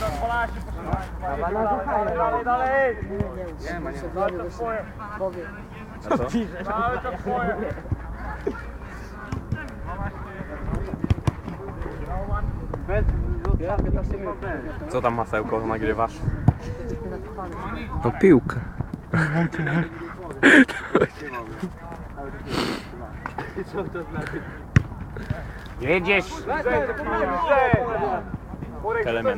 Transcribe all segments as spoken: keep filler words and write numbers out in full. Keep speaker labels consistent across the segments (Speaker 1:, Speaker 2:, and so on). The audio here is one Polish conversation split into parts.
Speaker 1: Dalej, dalej!
Speaker 2: Nie ma, nie ma.
Speaker 1: Ale to twoje.
Speaker 2: A co?
Speaker 1: Ale to twoje.
Speaker 2: Co tam masełko nagrywasz?
Speaker 3: No piłkę.
Speaker 2: Jedziesz! Element.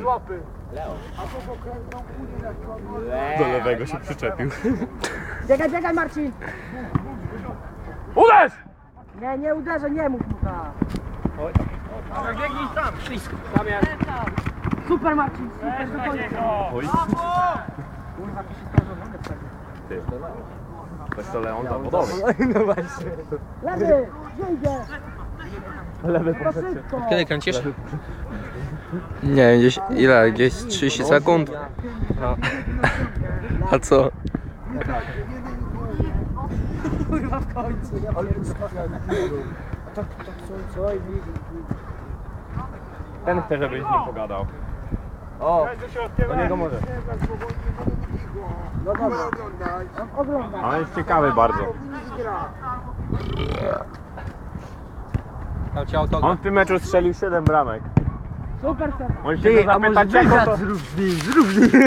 Speaker 2: Do lewego się przyczepił.
Speaker 4: Biegaj, biegaj Marcin!
Speaker 2: Uderz!
Speaker 4: Nie, nie uderzę, nie mów mu tak.
Speaker 1: Biegnij tam! Tam jest.
Speaker 4: Super Marcin, super, do końca.
Speaker 2: Oj. Ty. Weź to Leon zawodowy.
Speaker 4: No właśnie. Lewy, gdzie idzie?
Speaker 2: Lewy
Speaker 4: To szybko.
Speaker 3: Kiedy kręcisz? Nie wiem, gdzieś ile? Gdzieś trzydzieści sekund? A co?
Speaker 4: Kurwa w końcu. Ja A to, to co, co? I...
Speaker 2: Ten chce, żebyś z nim pogadał.
Speaker 1: O!
Speaker 2: Do niego może.
Speaker 4: No dobra. Oglądam.
Speaker 2: On jest ciekawy bardzo. On w tym meczu strzelił siedem bramek.
Speaker 4: Super, super.
Speaker 2: On się go zapytać, jaką to...